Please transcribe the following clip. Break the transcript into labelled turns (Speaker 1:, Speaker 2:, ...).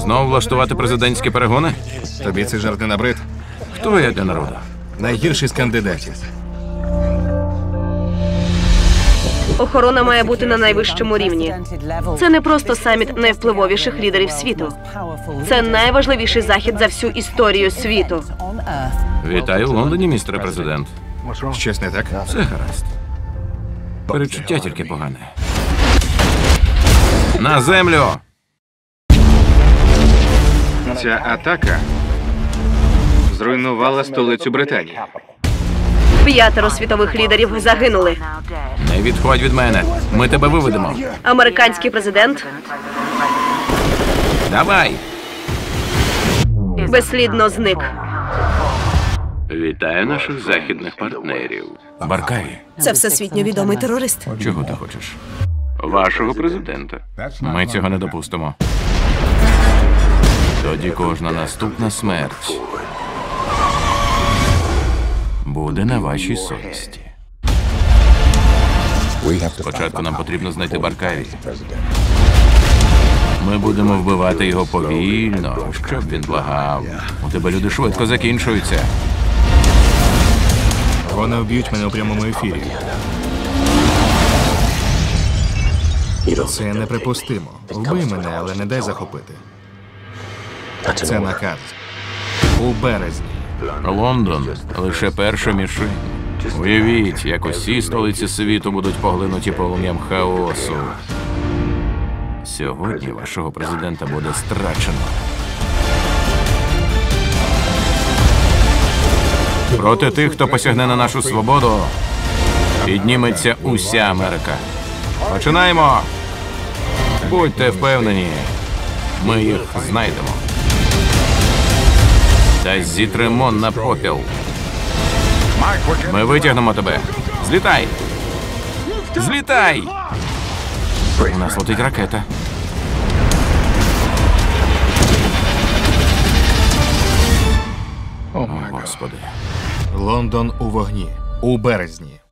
Speaker 1: Знов влаштувати президентські перегони?
Speaker 2: Тобі цей жарт не набрид?
Speaker 1: Хто я для народу?
Speaker 2: Найгірший з кандидатів.
Speaker 3: Охорона має бути на найвищому рівні. Це не просто саміт найвпливовіших лідерів світу. Це найважливіший захід за всю історію світу.
Speaker 1: Вітаю в Лондоні, містере президент.
Speaker 2: Щось не так?
Speaker 1: Все гаразд. Перечуття тільки погане. На землю!
Speaker 2: Ця атака зруйнувала столицю Британії.
Speaker 3: 5 світових лідерів загинули.
Speaker 1: Не відходь від мене. Ми тебе виведемо.
Speaker 3: Американський президент
Speaker 1: Давай!
Speaker 3: безслідно зник.
Speaker 1: Вітаю наших західних партнерів. Баркаві,
Speaker 3: Це всесвітньо відомий терорист.
Speaker 1: чого ти хочеш? Вашого президента. Ми цього не допустимо. Тоді кожна наступна смерть буде на вашій совісті. Спочатку нам потрібно знайти Баркаві. Ми будемо вбивати його повільно, щоб він благав. У тебе люди швидко закінчуються.
Speaker 2: Вони вб'ють мене у прямому ефірі. Це неприпустимо. Вбий мене, але не дай захопити. Це наказ. У березні.
Speaker 1: Лондон – лише перша мішень. Уявіть, як усі столиці світу будуть поглинуті полум'ям хаосу. Сьогодні вашого президента буде страчено. Проти тих, хто посягне на нашу свободу, підніметься уся Америка. Починаємо! Будьте впевнені, ми їх знайдемо. Та зітремо на попіл. Ми витягнемо тебе. Злітай! Злітай! У нас летить ракета. О, Господи.
Speaker 2: Лондон у вогні. У березні.